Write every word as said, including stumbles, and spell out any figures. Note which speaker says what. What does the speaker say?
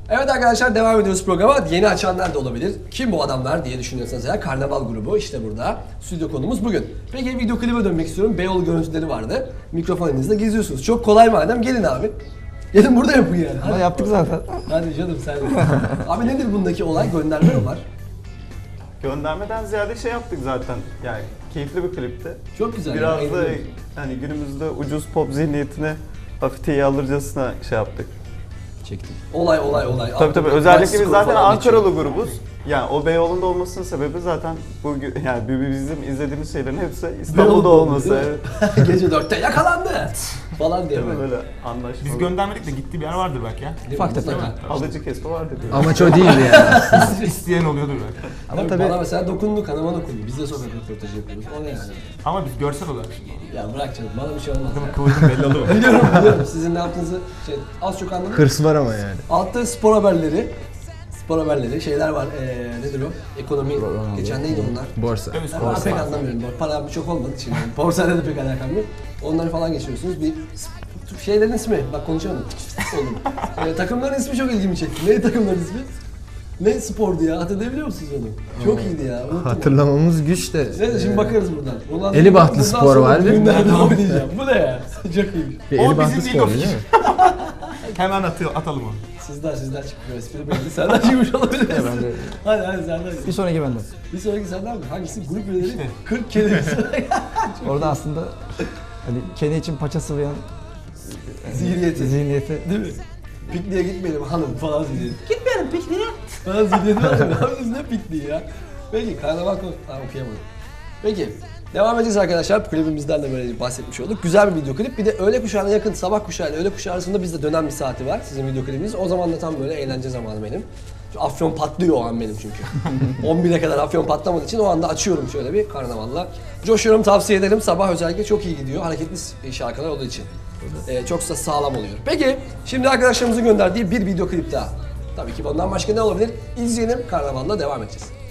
Speaker 1: Evet arkadaşlar, devam ediyoruz programa. Yeni açanlar da olabilir. Kim bu adamlar diye düşünüyorsanız eğer, Karnaval grubu işte burada. Stüdyo konumuz bugün. Peki video klibe dönmek istiyorum. Beyoğlu görüntüleri vardı. Mikrofon elinizde geziyorsunuz. Çok kolay madem, gelin abi. Gelin burada yapın yani.
Speaker 2: Ama yaptık zaten.
Speaker 1: Hadi canım sen de. Abi nedir bundaki olay? Gönderme mi var?
Speaker 3: Göndermeden ziyade şey yaptık zaten. Yani keyifli bir klipti.
Speaker 1: Çok güzel.
Speaker 3: Biraz
Speaker 1: yani,
Speaker 3: da
Speaker 1: eğlenceli.
Speaker 3: hani günümüzde ucuz pop zihniyetine hafif teyi alırcasına şey yaptık.
Speaker 1: Çektim. Olay olay olay.
Speaker 3: Tabii tabii.
Speaker 1: Altı-
Speaker 3: Özellikle
Speaker 1: Skor
Speaker 3: biz zaten
Speaker 1: falan geçiyor.
Speaker 3: Ankaralı grubuz. Yani o Beyoğlu'nda olmasının sebebi zaten bu yani bizim izlediğimiz şeylerin hepsi İstanbul'da
Speaker 1: Beyoğlu'da
Speaker 3: olması.
Speaker 1: değil mi?
Speaker 3: Evet.
Speaker 1: Gece dörtte yakalandı falan diye
Speaker 3: Değil mi?
Speaker 1: böyle.
Speaker 3: Böyle anlaşmalı.
Speaker 4: Biz göndermedik de gittiği bir yer vardır belki ya.
Speaker 2: Ufak tefek.
Speaker 3: Alıcı kesme vardı diyor.
Speaker 2: Amaç o değildi ya.
Speaker 4: İsteyen oluyordur belki.
Speaker 2: Ama
Speaker 1: Tabii
Speaker 2: tabii
Speaker 1: bana mesela dokundu, kanıma dokundu. Biz de sokak röportajı yapıyoruz. O ne yani?
Speaker 4: Ama biz görsel olarak şimdi.
Speaker 1: Ya bırak canım, bana bir şey olmaz ya.
Speaker 4: Kıvırcım belli oluyor.
Speaker 1: Biliyorum biliyorum, sizin ne yaptığınızı şey, az çok anladım.
Speaker 2: hırs var ama yani.
Speaker 1: Altta spor haberleri, spor haberleri, şeyler var. Ee, nedir o? Ekonomi, geçen neydi onlar?
Speaker 2: Borsa.
Speaker 4: Tabii
Speaker 1: Ben
Speaker 4: spor
Speaker 1: pek anlamıyorum. Param çok olmadı şimdi. Borsayla da pek alakam yok. Onları falan geçiyorsunuz. Bir şeylerin ismi, bak konuşamadım. Oğlum. Ee, takımların ismi çok ilgimi çekti. Neydi takımların ismi? Ne spordu ya? Hatırlayabiliyor musunuz onu? Çok iyiydi ya. Unuttum.
Speaker 2: Hatırlamamız güç de.
Speaker 1: Neyse şimdi bakarız buradan. Bundan
Speaker 2: Elibahtlı
Speaker 1: bundan
Speaker 2: spor
Speaker 1: sonra
Speaker 2: var, değil mi?
Speaker 1: Günlerde oynayacağım. Bu ne ya? Çok iyiymiş.
Speaker 2: Bir
Speaker 4: O
Speaker 2: Elibahtlı
Speaker 4: bizim
Speaker 2: spor
Speaker 4: ilk
Speaker 2: değil mi?
Speaker 4: Hemen atıyor, atalım onu.
Speaker 1: Sizden sizden çıkmıyor. Espri belli. Senden çıkmış olabilir.
Speaker 2: ben de-
Speaker 1: Hadi hadi senden.
Speaker 2: Bir sonraki bende.
Speaker 1: Bir sonraki senden mi? Hangisi? Grup üyeleri
Speaker 4: İşte.
Speaker 1: kırk kere.
Speaker 2: Orada aslında hani kendi için paça sıvayan
Speaker 1: Zihniyeti.
Speaker 2: zihniyeti.
Speaker 1: Değil mi? Pikniğe gitmeyelim hanım falan zihniyeti. Gitmeyelim pikniğe. Falan zihniyeti var ya. Ne yapıyorsunuz, ne pikniği ya? Peki karnaval konu... Ha okuyamadım. Peki. Devam edeceğiz arkadaşlar. Klibimizden de böyle bahsetmiş olduk. Güzel bir video klip. Bir de öğle kuşağına yakın, sabah kuşağı ile öğle kuşağı arasında bizde dönen bir saati var. Sizin video klibiniz. O zaman da tam böyle eğlence zamanı benim. Şu Afyon patlıyor o an benim çünkü. on bire kadar Afyon patlamadığı için o anda açıyorum şöyle bir karnavalla. Coşuyorum, tavsiye ederim. Sabah özellikle çok iyi gidiyor. Hareketli şarkılar olduğu için. Ee, çok da sağlam oluyor. Peki, şimdi arkadaşlarımızın gönderdiği bir video klip daha. Tabii ki bundan başka ne olabilir? İzleyelim, karnavalla devam edeceğiz.